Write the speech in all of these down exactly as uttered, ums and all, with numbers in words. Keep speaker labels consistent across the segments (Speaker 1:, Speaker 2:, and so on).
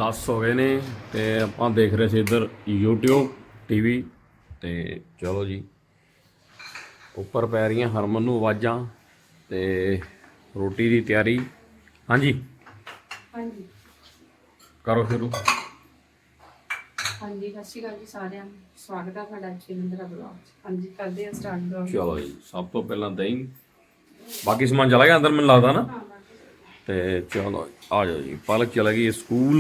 Speaker 1: दस हो गए ने ते आपां देख रहे थे इधर यूट्यूब टीवी ते चलो जी उपर पै रही हरमन नूं आवाज़ां ते रोटी की तैयारी। हाँ जी
Speaker 2: हाँ जी
Speaker 1: करो शुरू।
Speaker 2: हाँ जी सत श्री अकाल जी सारिਆਂ ਨੂੰ स्वागत है ਤੁਹਾਡਾ ਸ਼ਿਵਿੰਦਰਾ ਬਲੌਗ। हाँ जी करते हैं स्टार्ट ब्लॉग।
Speaker 1: चलो जी सब तो पहला दही बाकी समान चला गया अंदर मैंने लगता ना ते चलो आ जाओ जी। पलक चला गई स्कूल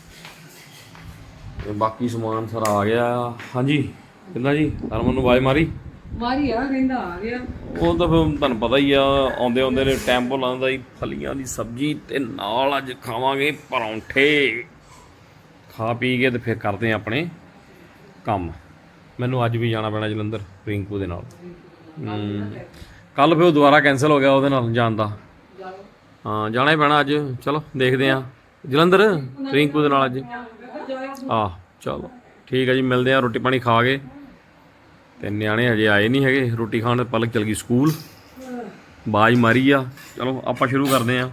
Speaker 1: ते बाकी समान सारा आ गया। हाँ जी कितना जी हरमन नूं आवाज़ मारी
Speaker 2: ਮਾਰੀ ਆ ਕਹਿੰਦਾ ਆ ਗਿਆ।
Speaker 1: ਉਹ ਤਾਂ ਫਿਰ ਤੁਹਾਨੂੰ ਪਤਾ ਹੀ ਆ ਆਉਂਦੇ ਆਉਂਦੇ ਨੇ ਟੈਂਪੋ ਲਾਉਂਦਾ ਜੀ ਫਲੀਆਂ ਦੀ ਸਬਜ਼ੀ ਤੇ ਨਾਲ ਅੱਜ ਖਾਵਾਂਗੇ ਪਰੌਂਠੇ। ਖਾ ਪੀ ਕੇ ਤੇ ਫਿਰ ਕਰਦੇ ਆ ਆਪਣੇ ਕੰਮ। ਮੈਨੂੰ ਅੱਜ ਵੀ ਜਾਣਾ ਪੈਣਾ ਜਲੰਧਰ ਰਿੰਕੂ ਦੇ ਨਾਲ। ਕੱਲ ਫਿਰ ਉਹ ਦੁਬਾਰਾ ਕੈਂਸਲ ਹੋ ਗਿਆ ਉਹਦੇ ਨਾਲ ਜਾਣ ਦਾ। ਹਾਂ ਜਾਣਾ ਹੀ ਪੈਣਾ ਅੱਜ। ਚਲੋ ਦੇਖਦੇ ਆ ਜਲੰਧਰ ਰਿੰਕੂ ਦੇ ਨਾਲ ਅੱਜ। ਆਹ ਚਲੋ ਠੀਕ ਹੈ ਜੀ ਮਿਲਦੇ ਆ ਰੋਟੀ ਪਾਣੀ ਖਾ ਕੇ। ਤੇ ਨਿਆਣੇ ਹਜੇ ਆਏ ਨਹੀਂ ਹੈਗੇ ਰੋਟੀ ਖਾਣ। ਪਲਕ ਚਲ ਗਈ ਸਕੂਲ ਬਾਜ ਮਾਰੀ ਆ। ਚਲੋ ਆਪਾਂ ਸ਼ੁਰੂ ਕਰਦੇ ਹਾਂ।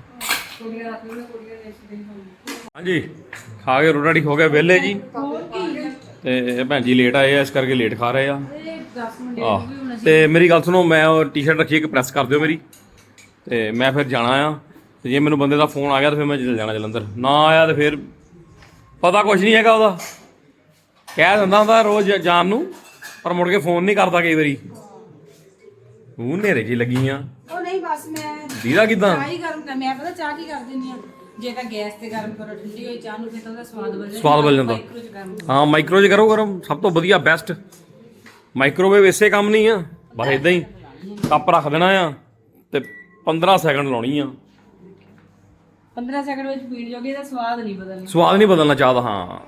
Speaker 1: ਹਾਂਜੀ ਖਾ ਕੇ ਰੋਟੀ ਹੋ ਗਿਆ ਵਿਹਲੇ ਜੀ। ਤੇ ਭੈਣ ਜੀ ਲੇਟ ਆਏ ਆ ਇਸ ਕਰਕੇ ਲੇਟ ਖਾ ਰਹੇ ਆ। ਆਹ ਤੇ ਮੇਰੀ ਗੱਲ ਸੁਣੋ ਮੈਂ ਉਹ ਟੀ ਸ਼ਰਟ ਰੱਖੀ ਇੱਕ ਪ੍ਰੈਸ ਕਰ ਦਿਓ ਮੇਰੀ ਤੇ ਮੈਂ ਫਿਰ ਜਾਣਾ ਆ। ਤੇ ਜੇ ਮੈਨੂੰ ਬੰਦੇ ਦਾ ਫੋਨ ਆ ਗਿਆ ਤਾਂ ਫਿਰ ਮੈਂ ਚਲ ਜਾਣਾ ਜਲੰਧਰ। ਨਾ ਆਇਆ ਤਾਂ ਫਿਰ ਪਤਾ ਕੁਛ ਨਹੀਂ ਹੈਗਾ ਉਹਦਾ। ਕਹਿ ਦਿੰਦਾ ਹੁੰਦਾ ਰੋਜ਼ ਜਾਣ ਨੂੰ ਪਰ ਮੁੜ ਕੇ ਫੋਨ ਨਹੀਂ ਕਰਦਾ ਕਈ ਵਾਰੀ। ਉਹ ਨੇਰੇ ਜੀ ਲੱਗੀ ਆ।
Speaker 2: ਉਹ ਨਹੀਂ ਬਸ ਮੈਂ
Speaker 1: ਦੀਦਾ ਕਿਦਾਂ
Speaker 2: ਚਾਹ ਹੀ ਗਰਮ ਕਰ। ਮੈਂ ਪਤਾ ਚਾਹ ਕੀ ਕਰ ਦਿੰਦੀ ਆ ਜੇ ਤਾਂ ਗੈਸ ਤੇ ਗਰਮ ਕਰੋ ਠੰਡੀ ਹੋਈ ਚਾਹ ਨੂੰ ਫਿਰ ਤਾਂ ਉਹਦਾ ਸਵਾਦ ਬਦਲ
Speaker 1: ਸਵਾਦ ਬਦਲ ਜਾਂਦਾ। ਹਾਂ ਮਾਈਕਰੋ 'ਚ ਕਰੋ ਗਰਮ ਸਭ ਤੋਂ ਵਧੀਆ ਬੈਸਟ। ਮਾਈਕ੍ਰੋਵੇਵ ਇਸੇ ਕੰਮ ਨਹੀਂ ਆ ਬਸ ਇਦਾਂ ਹੀ ਕੱਪ ਰੱਖ ਦੇਣਾ ਆ ਤੇ ਪੰਦਰਾਂ ਸੈਕਿੰਡ ਲਾਉਣੀ ਆ।
Speaker 2: ਪੰਦਰਾਂ ਸੈਕਿੰਡ ਵਿੱਚ ਪੀਣ ਜੋਗੇ ਦਾ ਸਵਾਦ ਨਹੀਂ ਬਦਲਣਾ।
Speaker 1: ਸਵਾਦ ਨਹੀਂ ਬਦਲਣਾ ਚਾਹਦਾ। ਹਾਂ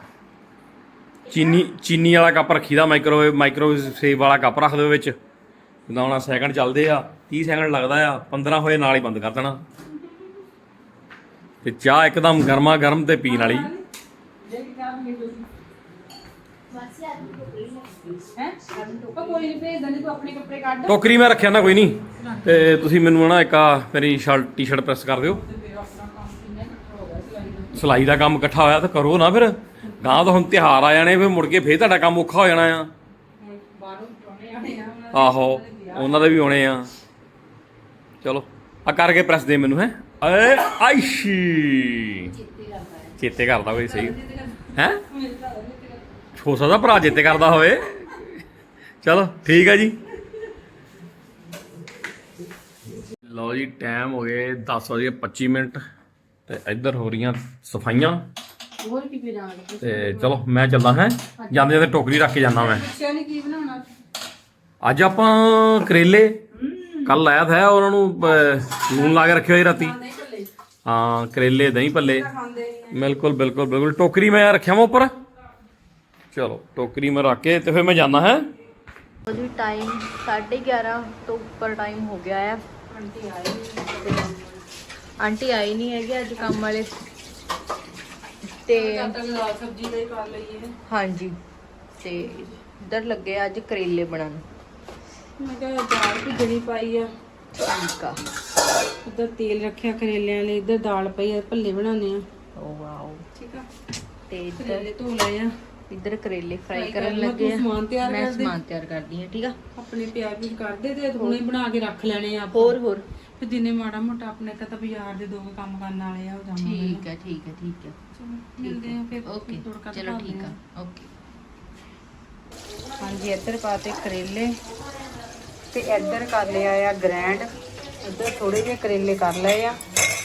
Speaker 1: ਚੀਨੀ ਚੀਨੀ ਵਾਲਾ ਕੱਪ ਰੱਖੀਦਾ ਮਾਈਕ੍ਰੋਵੇਵ ਮਾਈਕ੍ਰੋਵੇਵ ਸੇਵ ਵਾਲਾ ਕੱਪ ਰੱਖ ਦਿਓ ਵਿੱਚ। ਜਿੱਦਾਂ ਹੁਣ ਸੈਕਿੰਡ ਚੱਲਦੇ ਆ ਤੀਹ ਸੈਕਿੰਡ ਲੱਗਦਾ ਆ ਪੰਦਰਾਂ ਹੋਏ ਨਾਲ ਹੀ ਬੰਦ ਕਰ ਦੇਣਾ। ਤੇ ਚਾਹ ਇੱਕਦਮ ਗਰਮਾ ਗਰਮ ਤੇ ਪੀਣ ਵਾਲੀ। ਟੋਕਰੀ ਮੈਂ ਰੱਖਿਆ ਨਾ ਕੋਈ ਨਹੀਂ ਤੇ ਤੁਸੀਂ ਮੈਨੂੰ ਨਾ ਇੱਕ ਆ ਮੇਰੀ ਸ਼ਰਟ ਟੀ ਸ਼ਰਟ ਪ੍ਰੈਸ ਕਰ ਦਿਓ। ਸਿਲਾਈ ਦਾ ਕੰਮ ਇਕੱਠਾ ਹੋਇਆ ਤਾਂ ਕਰੋ ਨਾ ਫਿਰ ਗਾਂ ਤਾਂ ਹੁਣ ਤਿਉਹਾਰ ਆ ਜਾਣੇ ਫਿਰ ਮੁੜ ਕੇ ਫਿਰ ਤੁਹਾਡਾ ਕੰਮ ਔਖਾ ਹੋ ਜਾਣਾ ਆ। ਆਹੋ ਉਹਨਾਂ ਦੇ ਵੀ ਆਉਣੇ ਆ। ਚਲੋ ਆ ਕਰਕੇ ਪ੍ਰੈਸ ਦੇ ਮੈਨੂੰ। ਹੈ ਏ ਆਇਸ਼ੀ ਚੇਤੇ ਕਰਦਾ ਕੋਈ ਸਹੀ ਹੈ ਹੋ ਸਕਦਾ ਭਰਾ ਚੇਤੇ ਕਰਦਾ ਹੋਵੇ। ਚਲੋ ਠੀਕ ਆ ਜੀ। ਲਓ ਜੀ ਟਾਈਮ ਹੋ ਗਏ ਦਸ ਵਜੇ ਪੱਚੀ ਮਿੰਟ ਤੇ ਇੱਧਰ ਹੋ ਰਹੀਆਂ ਸਫਾਈਆਂ।
Speaker 2: ਹੋਰ ਕੀ ਪੀ ਜਾਣਾ
Speaker 1: ਤੇ ਚਲੋ ਮੈਂ ਚੱਲਦਾ ਹੈ ਜਾਂਦੇ ਜਾਂਦੇ ਟੋਕਰੀ ਰੱਖ ਕੇ ਜਾਂਦਾ ਮੈਂ।
Speaker 2: ਬੱਚਿਆਂ ਨੇ ਕੀ ਬਣਾਉਣਾ
Speaker 1: ਅੱਜ ਆਪਾਂ ਕਰੇਲੇ ਕੱਲ ਲਾਇਆ ਥਾ ਉਹਨਾਂ ਨੂੰ ਲੂਣ ਲਾ ਕੇ ਰੱਖਿਆ ਹੋਈ ਰਾਤੀ। ਹਾਂ ਕਰੇਲੇ ਦਹੀਂ ਭੱਲੇ ਬਿਲਕੁਲ ਬਿਲਕੁਲ ਬਿਲਕੁਲ। ਟੋਕਰੀ ਮੈਂ ਰੱਖਿਆ ਵਾ ਉੱਪਰ। ਚਲੋ ਟੋਕਰੀ ਮੈਂ ਰੱਖ ਕੇ ਤੇ ਫਿਰ ਮੈਂ ਜਾਂਦਾ ਹੈ।
Speaker 3: ਉਹਦੀ ਟਾਈਮ ਸਾਢੇ ਗਿਆਰਾਂ ਤੋਂ ਉੱਪਰ ਟਾਈਮ ਹੋ ਗਿਆ ਆ।
Speaker 2: ਆਂਟੀ ਆਏ
Speaker 3: ਆਂਟੀ ਆਈ ਨਹੀਂ ਹੈਗੇ ਅੱਜ ਕੰਮ ਵਾਲੇ ਤੇ
Speaker 2: ਦਾਲ ਸਬਜ਼ੀ ਦੇ ਕਰ ਲਈਏ।
Speaker 3: ਹਾਂਜੀ ਤੇ ਇੱਧਰ ਲੱਗੇ ਆ ਅੱਜ ਕਰੇਲੇ ਬਣਾਉਣ।
Speaker 2: ਮੈਂ ਕਿਹਾ ਦਾਲ ਭਿੱਜਣੀ ਪਾਈ ਆ।
Speaker 3: ਠੀਕ ਆ।
Speaker 2: ਇੱਧਰ ਤੇਲ ਰੱਖਿਆ ਕਰੇਲਿਆਂ ਲਈ। ਇੱਧਰ ਦਾਲ ਪਈ ਆ ਭੱਲੇ ਬਣਾਉਣੇ ਆ।
Speaker 3: Oh wow.
Speaker 2: ਠੀਕ ਆ
Speaker 3: ਤੇ ਇੱਧਰ
Speaker 2: ਕਰੇਲੇ ਧੋ ਲਏ ਆ।
Speaker 3: ਇੱਧਰ ਕਰੇਲੇ ਫਰਾਈ
Speaker 2: ਫਰਾਈ
Speaker 3: ਕਰਨ
Speaker 2: ਕਰ ਲਾ,
Speaker 3: ਲੱਗੇ
Speaker 2: ਤੂੰ ਸਮਾਨ ਤਿਆਰ
Speaker 3: ਆ। ਮੈਂ
Speaker 2: ਕਰ ਦੇ।
Speaker 3: ਸਮਾਨ ਤਿਆਰ ਕਰਦੀ ਹਾਂ। ਠੀਕ ਆ।
Speaker 2: ਆਪਣੇ ਪਿਆਰ ਵੀ ਕਰਦੇ ਤੇ ਹੁਣੇ ਬਣਾ ਕੇ ਰੱਖ ਲੈਣੇ ਆ ਆਪਾਂ।
Speaker 3: ਹੋਰ ਹੋਰ
Speaker 2: ਫਿਰ ਦਿਨੇ ਮਾੜਾ ਮੋਟਾ ਆਪਣੇ ਤਾਂ ਬਾਜ਼ਾਰ ਦੇ ਦੋ ਕੁ ਕੰਮ ਕਰਨ ਵਾਲੇ ਆ ਉਹ ਜਾਵਾਂਗੇ।
Speaker 3: ਠੀਕ ਆ ਠੀਕ ਆ ਠੀਕ ਆ।
Speaker 2: ਚਲੋ ਮਿਲਦੇ ਆ ਫਿਰ।
Speaker 3: ਓਕੇ
Speaker 2: ਤੜਕਾ
Speaker 3: ਚਲੋ
Speaker 2: ਦਿਖਾਉਂਦੇ
Speaker 3: ਠੀਕ
Speaker 2: ਆ।
Speaker 3: ਆ ਓਕੇ।
Speaker 2: ਹਾਂਜੀ ਇੱਧਰ ਪਾਤੇ ਕਰੇਲੇ ਤੇ ਇੱਧਰ ਕਰ ਲਿਆ ਆ ਗ੍ਰੈਂਡ। ਇੱਧਰ ਥੋੜੇ ਜਿਹੇ ਕਰੇਲੇ ਕਰ ਲਏ ਆ।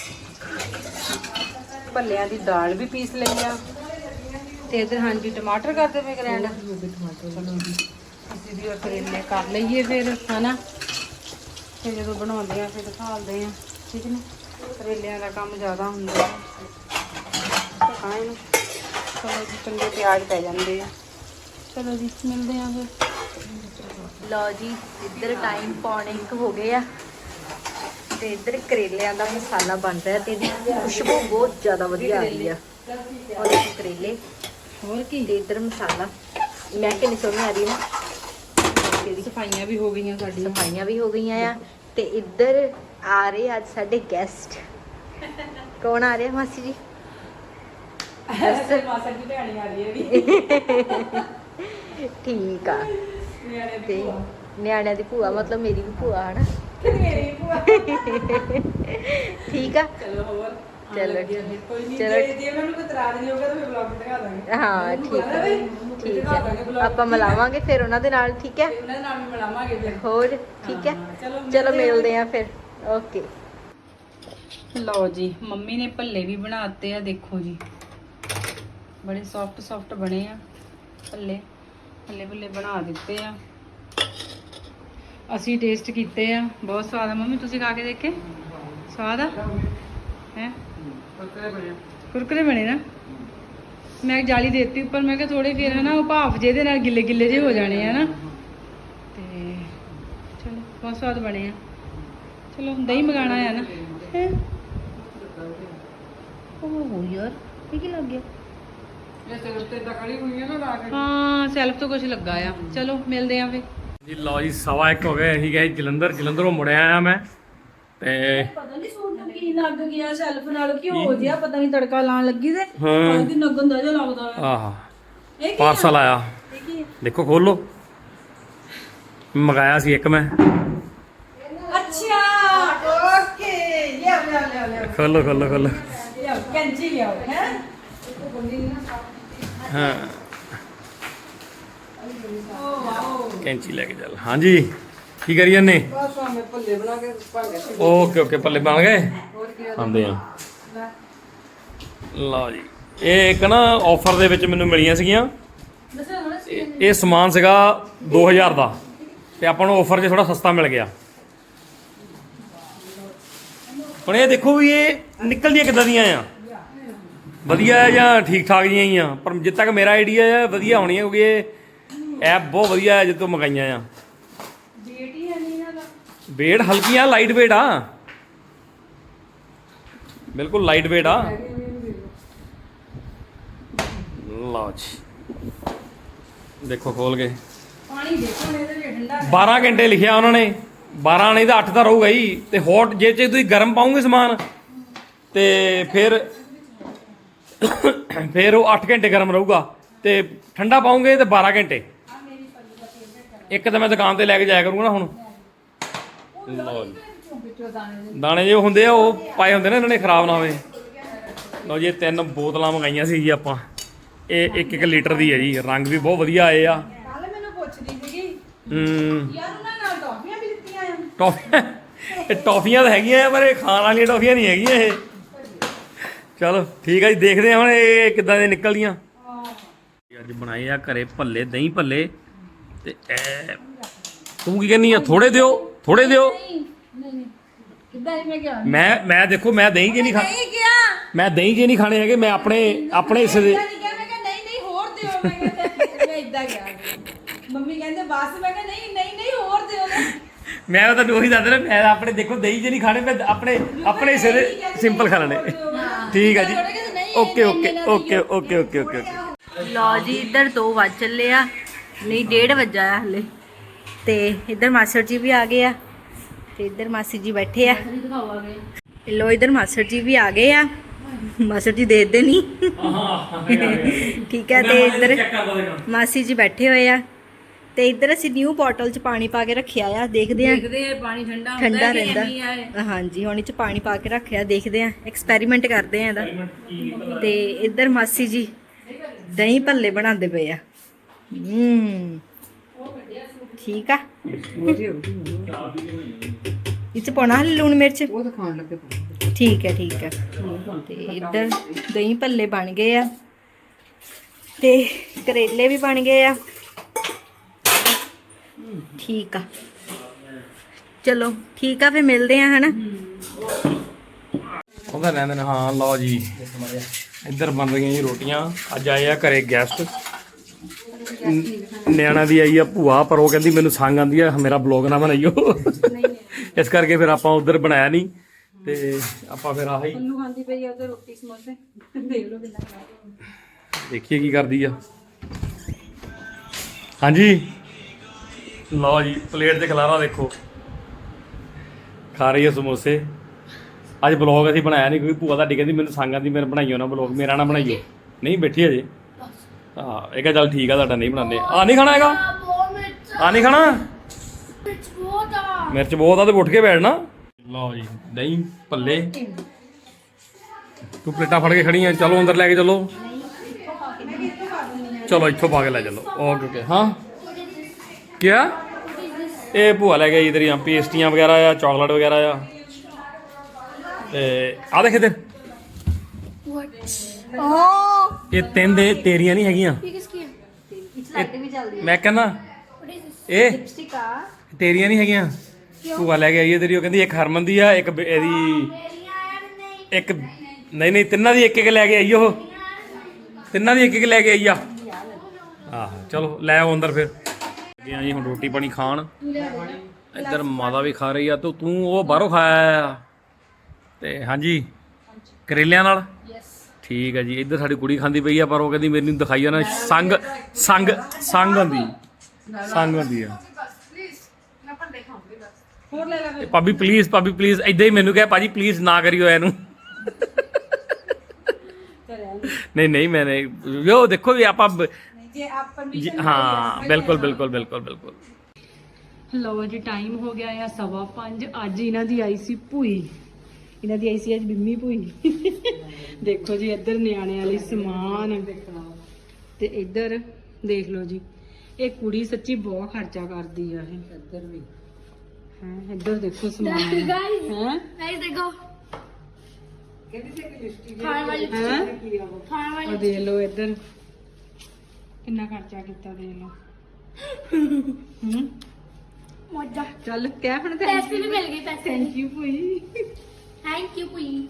Speaker 2: ਭੱਲਿਆਂ ਦੀ ਦਾਲ ਵੀ ਪੀਸ ਲਈ ਆ ਤੇ ਇੱਧਰ ਹਾਂਜੀ ਟਮਾਟਰ ਕਰਦੇ ਪਏ ਗ੍ਰੈਂਡ। ਚਲੋ ਜੀ ਅਸੀਂ ਵੀ ਕਰੇਲੇ ਕਰ ਲਈਏ ਫਿਰ ਹਨਾ। ਫਿਰ ਜਦੋਂ ਬਣਾਉਂਦੇ ਆ ਫਿਰ ਦਿਖਾਉਂਦੇ ਆ। ਠੀਕ ਨੇ ਕਰੇਲਿਆਂ ਦਾ ਕੰਮ ਜ਼ਿਆਦਾ ਹੁੰਦਾ ਹੈ। ਹਾਂ ਇਹਨੂੰ ਚਲੋ ਜੀ ਚੰਗੇ ਪਿਆਜ਼ ਪੈ ਜਾਂਦੇ ਆ। ਚਲੋ ਜੀ ਮਿਲਦੇ ਆ ਫਿਰ।
Speaker 3: ਲਓ ਜੀ ਇੱਧਰ ਟਾਈਮ ਪੌਣੇ ਇੱਕ ਹੋ ਗਏ ਆ ਤੇ ਇੱਧਰ ਕਰੇਲਿਆਂ ਦਾ ਮਸਾਲਾ ਬਣ ਰਿਹਾ ਤੇ ਇਹਦੀ ਖੁਸ਼ਬੂ ਬਹੁਤ ਜ਼ਿਆਦਾ ਵਧੀਆ ਆ ਰਹੀ ਆ। ਔਰ ਇਹ ਕਰੇਲੇ
Speaker 2: ਹੋਰ ਕੀ
Speaker 3: ਤੇ ਇੱਧਰ ਮਸਾਲਾ ਮੈਂ ਕਿੰਨੀ ਸੋਹਣੀ ਆ ਰਹੀ ਨਾ।
Speaker 2: ਸਫਾਈਆਂ ਵੀ ਹੋ ਗਈਆਂ ਸਾਡੀਆਂ।
Speaker 3: ਸਫਾਈਆਂ ਵੀ ਹੋ ਗਈਆਂ ਆ ਤੇ ਇੱਧਰ ਆ ਰਹੇ ਅੱਜ ਸਾਡੇ ਗੈਸਟ। ਕੌਣ ਆ ਰਿਹਾ ਮਾਸੀ ਜੀ?
Speaker 2: ਮਾਸੜ ਦੀ ਭੈਣੀ ਆ ਰਹੀ ਹੈ
Speaker 3: ਠੀਕ ਆ ਤੇ ਨਿਆਣਿਆਂ ਦੀ ਭੂਆ ਮਤਲਬ ਮੇਰੀ ਵੀ ਭੂਆ ਹਨਾ
Speaker 2: ਮੇਰੀ ਭੂਆ
Speaker 3: ਠੀਕ ਆ
Speaker 2: ਚਲੋ ਹੋਰ
Speaker 3: ਚਲੋ
Speaker 2: ਕੋਈ ਨਹੀਂ
Speaker 3: ਚਲੋ।
Speaker 2: ਜੇ ਜੇ ਮੈਨੂੰ ਕੋਈ ਇਤਰਾਜ਼ ਨਹੀਂ ਹੋਗਾ ਤਾਂ ਮੈਂ ਵਲੌਗ ਦਿਖਾ ਦਾਂਗੇ
Speaker 3: ਹਾਂ ਠੀਕ ਆ ਠੀਕ ਆ ਆਪਾਂ ਮਿਲਾਵਾਂਗੇ ਫਿਰ ਉਹਨਾਂ ਦੇ ਨਾਲ ਠੀਕ ਹੈ
Speaker 2: ਉਹਨਾਂ ਦੇ ਨਾਲ ਵੀ ਮਿਲਾਵਾਂਗੇ ਫਿਰ
Speaker 3: ਹੋਰ ਠੀਕ ਹੈ
Speaker 2: ਹਾਂ, ਚਲੋ
Speaker 3: ਚਲੋ ਮਿਲਦੇ ਆ ਫਿਰ ਓਕੇ
Speaker 2: ਲਓ ਜੀ ਮੰਮੀ ਨੇ ਭੱਲੇ ਵੀ ਬਣਾਤੇ ਆ ਦੇਖੋ ਜੀ ਬੜੇ ਸੌਫਟ ਸੌਫਟ ਬਣੇ ਆ ਭੱਲੇ ਭੱਲੇ ਭੱਲੇ ਬਣਾ ਦਿੱਤੇ ਆ ਅਸੀਂ ਟੇਸਟ ਕੀਤੇ ਆ ਬਹੁਤ ਸਵਾਦ ਆ ਮੰਮੀ ਤੁਸੀਂ ਖਾ ਕੇ ਦੇਖੇ ਸਵਾਦ ਆ ਹੈ ਕੁਰਕਰੇ ਬਣੇ ਨਾ ਮੈਂ ਜਾਲੀ ਦੇਤੀ ਉੱਪਰ ਮੈਂ ਕਿਹਾ ਥੋੜੇ ਫਿਰ ਹਨਾ ਉਹ ਭਾਫ ਜਿਹਦੇ ਨਾਲ ਗਿੱਲੇ ਗਿੱਲੇ ਜਿਹੇ ਹੋ ਜਾਣੇ ਆ ਨਾ ਤੇ ਚਲੋ ਬਹੁਤ ਸਵਾਦ ਬਣੇ ਆ ਚਲੋ ਦਹੀਂ ਮੰਗਾਣਾ ਆ ਨਾ ਹੈਂ। ਓਹ ਯਾਰ ਇਹ ਕੀ ਲੱਗ ਗਿਆ ਹਾਂ ਸੈਲਫ ਤੋਂ ਕੁਝ ਲੱਗਾ ਆ ਚਲੋ ਮਿਲਦੇ ਆ ਫੇ
Speaker 1: ਜੀ ਲਓ ਜੀ ਸਵਾ ਇੱਕ ਹੋ ਗਏ ਅਸੀਂ ਗਏ ਜਲੰਧਰ ਜਲੰਧਰੋਂ ਮੁੜਿਆ ਆਇਆ ਮੈਂ ਤੇ
Speaker 2: ਪਤਾ ਨਹੀਂ ਸੂਟ ਨੂੰ ਕੀ ਲੱਗ ਗਿਆ ਸੈਲਫ ਨਾਲ ਕਿ ਹੋ ਜਿਆ ਪਤਾ ਨਹੀਂ ਤੜਕਾ ਲਾਣ ਲੱਗੀ ਤੇ
Speaker 1: ਹਾਂ
Speaker 2: ਉਹਦੀ ਨਗਨ ਦਾ ਜਿਹਾ ਲੱਗਦਾ ਆ
Speaker 1: ਆਹ
Speaker 2: ਇਹ ਕੀ
Speaker 1: ਪਾਰਸਲ ਆਇਆ
Speaker 2: ਇਹ ਕੀ
Speaker 1: ਦੇਖੋ ਖੋਲੋ ਮੰਗਾਇਆ ਸੀ ਇੱਕ ਮੈਂ
Speaker 2: ਅੱਛਾ ਓਕੇ ਲਿਆ ਲਿਆ ਲਿਆ ਲਿਆ
Speaker 1: ਖੋਲੋ ਖੋਲੋ ਖੋਲੋ
Speaker 2: ਲਿਆ ਕੈਂਚੀ ਲਿਆ ਹੈ
Speaker 1: ਹਾਂ
Speaker 2: ਓ ਵਾਓ
Speaker 1: ਕੈਂਚੀ ਲੈ ਕੇ ਚੱਲ ਹਾਂਜੀ ਕੀ ਕਰੀ ਜਾਂਦੇ
Speaker 2: ਬਸ ਮੈਂ ਭੱਲੇ ਬਣਾ ਕੇ ਭਾਂਡੇ ਚ
Speaker 1: ਓਕੇ ਓਕੇ ਪੱਲੇ ਬਣ ਗਏ
Speaker 2: ਹੋਰ ਕੀ
Speaker 1: ਆਉਂਦੇ ਆ ਲਓ ਜੀ ਇਹ ਇੱਕ ਨਾ ਆਫਰ ਦੇ ਵਿੱਚ ਮੈਨੂੰ ਮਿਲੀਆਂ ਸੀਗੀਆਂ
Speaker 2: ਦੱਸੋ ਹੁਣ
Speaker 1: ਇਹ ਇਹ ਸਮਾਨ ਸੀਗਾ ਦੋ ਹਜ਼ਾਰ ਦਾ ਤੇ ਆਪਾਂ ਨੂੰ ਆਫਰ 'ਚ ਥੋੜਾ ਸਸਤਾ ਮਿਲ ਗਿਆ ਹੁਣ ਇਹ ਦੇਖੋ ਵੀ ਇਹ ਨਿਕਲਦੀਆਂ ਕਿੱਦਾਂ ਦੀਆਂ ਆ ਵਧੀਆ ਆ ਜਾਂ ਠੀਕ ਠਾਕ ਜੀਆਂ ਹੀ ਆ ਪਰ ਜਿੱਦ ਤੱਕ ਮੇਰਾ ਆਈਡੀਆ ਆ ਵਧੀਆ ਹੋਣੀ ਕਿਉਂਕਿ ਇਹ ਐਪ ਬਹੁਤ ਵਧੀਆ ਹੈ ਜਿੱਦੋਂ ਮੰਗਾਈਆਂ ਆ
Speaker 2: ਡੇਟ ਹੀ ਨਹੀਂ ਇਹਨਾਂ ਦਾ
Speaker 1: ਵੇਟ ਹਲਕੀ ਆ ਲਾਈਟ ਵੇਟ ਆ ਬਿਲਕੁਲ ਲਾਈਟ ਵੇਟ ਆ ਲਓ ਜੀ ਦੇਖੋ ਖੋਲ ਕੇ
Speaker 2: ਪਾਣੀ ਦੇਖੋ ਇਹਦੇ ਵਿੱਚ ਠੰਡਾ
Speaker 1: ਬਾਰਾਂ ਘੰਟੇ ਲਿਖਿਆ ਉਹਨਾਂ ਨੇ ਬਾਰਾਂ ਨਹੀਂ ਤਾਂ ਅੱਠ ਤਾਂ ਰਹੂਗਾ ਹੀ ਤੇ ਹੌਟ ਜੇ ਚ ਤੁਸੀਂ ਗਰਮ ਪਾਉਂਗੇ ਸਮਾਨ ਤੇ ਫਿਰ ਫਿਰ ਉਹ ਅੱਠ ਘੰਟੇ ਗਰਮ ਰਹੂਗਾ ਤੇ ਠੰਡਾ ਪਾਉਂਗੇ ਤੇ ਬਾਰਾਂ ਘੰਟੇ ਇੱਕ ਤਾਂ ਮੈਂ ਦੁਕਾਨ ਤੇ ਲੈ ਕੇ ਜਾਇਆ ਕਰੂੰਗਾ ਨਾ ਹੁਣ ਲਓ ਜੀ ਦਾਣੇ ਜੇ ਹੁੰਦੇ ਆ ਉਹ ਪਾਏ ਹੁੰਦੇ ਨੇ ਇਹਨਾਂ ਨੇ ਖਰਾਬ ਨਾ ਹੋਵੇ ਲਓ ਜੀ ਇਹ ਤਿੰਨ ਬੋਤਲਾਂ ਮੰਗਾਈਆਂ ਸੀ ਜੀ ਆਪਾਂ ਇਹ ਇੱਕ ਇੱਕ ਲੀਟਰ ਦੀ ਹੈ ਜੀ ਰੰਗ ਵੀ ਬਹੁਤ ਵਧੀਆ ਆਏ ਆ
Speaker 2: ਕੱਲ ਮੈਨੂੰ ਪੁੱਛਦੀ ਸੀਗੀ
Speaker 1: ਹੂੰ
Speaker 2: ਯਾਰ ਉਹਨਾਂ ਨਾਲ ਟੌਫੀਆਂ ਵੀ ਦਿੱਤੀਆਂ ਆ
Speaker 1: ਟੌਫੀਆਂ ਇਹ ਟੌਫੀਆਂ ਤਾਂ ਹੈਗੀਆਂ ਆ ਪਰ ਇਹ ਖਾਣ ਵਾਲੀਆਂ ਟੌਫੀਆਂ ਨਹੀਂ ਹੈਗੀਆਂ ਇਹ ਚਲੋ ਠੀਕ ਆ ਜੀ ਦੇਖਦੇ ਹਾਂ ਹੁਣ ਇਹ ਕਿੱਦਾਂ ਦੇ ਨਿਕਲਦੀਆਂ ਅੱਜ ਬਣਾਏ ਆ ਘਰੇ ਭੱਲੇ ਦਹੀਂ ਭੱਲੇ ਤੇ ਇਹ ਤੂੰ ਕੀ ਕਹਿੰਦੀ ਆ ਥੋੜੇ ਦਿਓ ਥੋੜੇ ਦਿਓ
Speaker 2: ਕਿੱਦਾਂ ਮੈਂ ਕਿਹਾ
Speaker 1: ਮੈਂ ਮੈਂ ਦੇਖੋ ਮੈਂ ਦਹੀਂ ਜੇ ਨਹੀਂ ਖਾ
Speaker 2: ਨਹੀਂ ਕਿਹਾ
Speaker 1: ਮੈਂ ਦਹੀਂ ਜੇ ਨਹੀਂ ਖਾਣੇ ਹੈਗੇ ਮੈਂ ਆਪਣੇ ਆਪਣੇ ਹਿੱਸੇ ਦੇ
Speaker 2: ਨਹੀਂ ਕਿਹਾ ਮੈਂ ਕਿਹਾ ਨਹੀਂ ਨਹੀਂ ਹੋਰ ਦਿਓ ਮੈਂ ਕਿਹਾ ਮੈਂ ਇਦਾਂ ਕਿਹਾ ਮੰਮੀ ਕਹਿੰਦੇ ਬਸ ਮੈਂ ਕਿਹਾ ਨਹੀਂ ਨਹੀਂ ਨਹੀਂ ਹੋਰ ਦਿਓ ਨਾ
Speaker 1: ਮੈਂ ਤਾਂ ਉਹੀ ਦੱਸ ਰਿਹਾ ਮੈਂ ਆਪਣੇ ਦੇਖੋ ਦਹੀਂ ਜੇ ਨਹੀਂ ਖਾਣੇ ਮੈਂ ਆਪਣੇ ਆਪਣੇ ਹਿੱਸੇ ਦੇ ਸਿੰਪਲ ਖਾ ਲੈਣੇ ਠੀਕ ਆ ਜੀ okay okay okay okay okay okay
Speaker 3: ਲਓ ਜੀ ਇੱਧਰ ਦੋ ਵੱਜ ਚੱਲੇ ਆ ਨਹੀਂ ਡੇਢ ਵੱਜਾ ਆ ਹਲੇ ਤੇ ਇੱਧਰ ਮਾਸਟਰ ਜੀ ਵੀ ਆ ਗਏ ਆ ਤੇ ਇੱਧਰ ਮਾਸੀ ਜੀ ਬੈਠੇ ਆ ਲੋ ਇੱਧਰ ਮਾਸਟਰ ਜੀ ਵੀ ਆ ਗਏ ਆ ਮਾਸਟਰ ਜੀ ਦੇਖਦੇ ਨਹੀਂ ਠੀਕ ਹੈ ਤੇ ਇੱਧਰ ਮਾਸੀ ਜੀ ਬੈਠੇ ਹੋਏ ਆ ਤੇ ਇੱਧਰ ਅਸੀਂ ਨਿਊ ਬੋਟਲ 'ਚ ਪਾਣੀ ਪਾ ਕੇ ਰੱਖਿਆ ਆ ਦੇਖਦੇ ਆ
Speaker 2: ਦੇਖਦੇ ਆ ਪਾਣੀ ਠੰਡਾ
Speaker 3: ਠੰਡਾ ਰਹਿੰਦਾ ਹਾਂਜੀ ਹੁਣ ਇਹ 'ਚ ਪਾਣੀ ਪਾ ਕੇ ਰੱਖਿਆ ਦੇਖਦੇ ਆ ਐਕਸਪੈਰੀਮੈਂਟ ਕਰਦੇ ਆ ਇਹਦਾ ਤੇ ਇੱਧਰ ਮਾਸੀ ਜੀ ਦਹੀਂ ਭੱਲੇ ਬਣਾਉਂਦੇ ਪਏ ਆ ਹੂੰ ਠੀਕ ਆ ਇਹ 'ਚ ਪਾਉਣਾ ਹਲੇ ਲੂਣ ਮਿਰਚ
Speaker 2: ਉਹ ਤਾਂ ਖਾਣ ਲੱਗੇ
Speaker 3: ਠੀਕ ਹੈ ਠੀਕ ਹੈ ਤੇ ਇੱਧਰ ਦਹੀਂ ਭੱਲੇ ਬਣ ਗਏ ਆ ਤੇ ਕਰੇਲੇ ਵੀ ਬਣ ਗਏ ਆ ਠੀਕ ਆ ਚਲੋ ਠੀਕ ਆ ਫਿਰ ਮਿਲਦੇ ਆ ਹਨਾ
Speaker 1: ਉਹਦਾ ਰਹਿੰਦੇ ਨੇ ਹਾਂ ਲਓ ਜੀ ਇੱਧਰ ਬਣ ਰਹੀਆਂ ਜੀ ਰੋਟੀਆਂ ਅੱਜ ਆਏ ਆ ਘਰੇ ਗੈਸਟ ਨਿਆਣਾ ਦੀ ਆਈ ਆ ਭੂਆ ਪਰ ਉਹ ਕਹਿੰਦੀ ਮੈਨੂੰ ਸੰਗ ਆਂਦੀ ਆ ਮੇਰਾ ਬਲੌਗ ਨਾ ਬਣਾਈਓ ਇਸ ਕਰਕੇ ਫਿਰ ਆਪਾਂ ਉਧਰ ਬਣਾਇਆ ਨਹੀਂ ਤੇ ਆਪਾਂ ਫਿਰ ਆਹੀ
Speaker 2: ਉਹਨੂੰ ਖਾਂਦੀ ਪਈ ਆ ਉਹਦੇ ਰੋਟੀ ਸਮੋਸੇ ਦੇਖ ਲਓ ਕਿੰਨਾ ਖਰਾਬ
Speaker 1: ਦੇਖੀਏ ਕੀ ਕਰਦੀ ਆ ਹਾਂਜੀ ਲਓ ਜੀ ਪਲੇਟ ਤੇ ਖਲਾਰਾ ਦੇਖੋ ਖਾ ਰਹੀ ਆ ਸਮੋਸੇ ਅੱਜ ਬਲੌਗ ਅਸੀਂ ਬਣਾਇਆ ਨਹੀਂ ਕਿਉਂਕਿ ਭੂਆ ਤੁਹਾਡੀ ਕਹਿੰਦੀ ਮੈਨੂੰ ਸੰਗ ਆਂਦੀ ਮੇਰੇ ਬਣਾਈਓ ਨਾ ਬਲੌਗ ਮੇਰਾ ਨਾ ਬਣਾਈਓ ਨਹੀਂ ਬੈਠੀ ਅਜੇ ਹਾਂ ਇਹ ਕਹ ਚੱਲ ਠੀਕ ਆ ਤੁਹਾਡਾ ਨਹੀਂ ਬਣਾਉਂਦੇ ਆ ਨਹੀਂ ਖਾਣਾ ਹੈਗਾ ਆ ਨਹੀਂ ਖਾਣਾ ਮਿਰਚ ਬਹੁਤ ਆ ਤੇ ਉੱਠ ਕੇ ਬੈਠਣਾ ਲਓ ਜੀ ਦਹੀਂ ਭੱਲੇ ਤੂੰ ਪਲੇਟਾਂ ਫੜ ਕੇ ਖੜੀ ਆ ਚਲੋ ਅੰਦਰ ਲੈ ਕੇ ਚਲੋ ਚਲੋ ਇੱਥੋਂ ਪਾ ਕੇ ਲੈ ਚਲੋ ਓਕੇ ਓਕੇ ਹਾਂ ਕਿਆ ਇਹ ਭੂਆ ਲੈ ਗਈ ਤੇਰੀਆਂ ਪੇਸਟੀਆਂ ਵਗੈਰਾ ਆ ਚਾਕਲੇਟ ਵਗੈਰਾ ਆ ਤੇ ਆ ਦੇਖ ਇੱਧਰ ਇਹ ਤਿੰਨ ਦੇ ਤੇਰੀਆਂ ਨਹੀਂ ਹੈਗੀਆਂ ਇਹ- ਮੈਂ ਕਹਿੰਦਾ ਇਹ ਤੇਰੀਆਂ ਨਹੀਂ ਹੈਗੀਆਂ ਭੂਆ ਲੈ ਕੇ ਆਈ ਹੈ ਤੇਰੀ ਉਹ ਕਹਿੰਦੀ ਇੱਕ ਹਰਮਨ ਦੀ ਆ ਇੱਕ ਬ- ਇਹਦੀ ਇੱਕ ਨਹੀਂ ਨਹੀਂ ਤਿੰਨਾਂ ਦੀ ਇੱਕ ਇੱਕ ਲੈ ਕੇ ਆਈ ਉਹ ਤਿੰਨਾਂ ਦੀ ਇੱਕ ਇੱਕ ਲੈ ਕੇ ਆਈ ਆ ਆਹੋ ਚਲੋ ਲੈ ਆਓ ਅੰਦਰ ਫਿਰ ਗਿਆ ਜੀ ਹੁਣ ਰੋਟੀ ਪਾਣੀ ਖਾਣ ਇੱਧਰ ਮਾਤਾ ਵੀ ਖਾ ਰਹੀ ਆ ਤੇ ਤੂੰ ਉਹ ਬਾਹਰੋਂ ਖਾਇਆ ਆ ਤੇ ਹਾਂਜੀ ਕਰੇਲਿਆਂ ਨਾਲ ਠੀਕ ਹੈ ਜੀ ਇੱਧਰ ਸਾਡੀ ਕੁੜੀ ਖਾਂਦੀ ਪਈ ਆ ਪਰ ਉਹ ਕਹਿੰਦੀ ਮੈਨੂੰ ਦਿਖਾਈ ਆ ਨਾ ਸੰਗ ਸੰਗ ਸੰਗ ਹੁੰਦੀ ਸੰਗ ਹੁੰਦੀ ਆ ਇਹ ਭਾਬੀ ਪਲੀਜ਼ ਭਾਬੀ ਪਲੀਜ਼ ਇਦਾਂ ਹੀ ਮੈਨੂੰ ਕਹੇ ਭਾਜੀ ਪਲੀਜ਼ ਨਾ ਕਰਿਓ ਇਹਨੂੰ ਨਹੀਂ ਨਹੀਂ ਮੈਂ ਨਹੀਂ ਯੋ ਦੇਖੋ ਵੀ ਆਪਾਂ ਜੀ, ਹਾਂ ਬਿਲਕੁਲ ਬਿਲਕੁਲ ਬਿਲਕੁਲ ਬਿਲਕੁਲ
Speaker 2: ਲਓ ਜੀ ਟਾਈਮ ਹੋ ਗਿਆ ਆ ਸਵਾ ਪੰਜ ਅੱਜ ਇਹਨਾਂ ਦੀ ਆਈ ਸੀ ਭੂਈ ਇਹਨਾਂ ਦੀ ਆਈ ਸੀ ਅੱਜ ਬਿੰਮੀ ਭੂਈ ਦੇਖੋ ਜੀ ਇੱਧਰ ਨਿਆਣਿਆਂ ਲਈ ਸਮਾਨ ਤੇ ਇੱਧਰ ਦੇਖ ਲਓ ਜੀ ਇਹ ਕੁੜੀ ਸੱਚੀ ਬਹੁਤ ਖਰਚਾ ਕਰਦੀ ਆ ਇਹ ਇੱਧਰ ਵੀ ਹਾਂ ਇੱਧਰ ਦੇਖੋ ਸਮਾਨ ਹੈ
Speaker 3: ਗਾਇਸ ਦੇਖੋ ਖਾਣ ਵਾਲੀ
Speaker 2: ਹੈ
Speaker 3: ਖਾਣ ਵਾਲੀ
Speaker 2: ਉਹ ਦੇਖ ਲਓ ਇੱਧਰ ਕਿੰਨਾ ਖਰਚਾ ਕੀਤਾ ਦੇਖ ਲਓ ਹੂੰ
Speaker 3: ਮੋਜਾ
Speaker 2: ਚੱਲ ਕਹਿ ਹੁਣ
Speaker 3: ਪੈਸੇ ਵੀ ਮਿਲ ਗਏ ਪੈਸੇ
Speaker 2: ਥੈਂਕ ਯੂ ਭੂਈ
Speaker 3: ਥੈਂਕ ਯੂ ਪੂਈ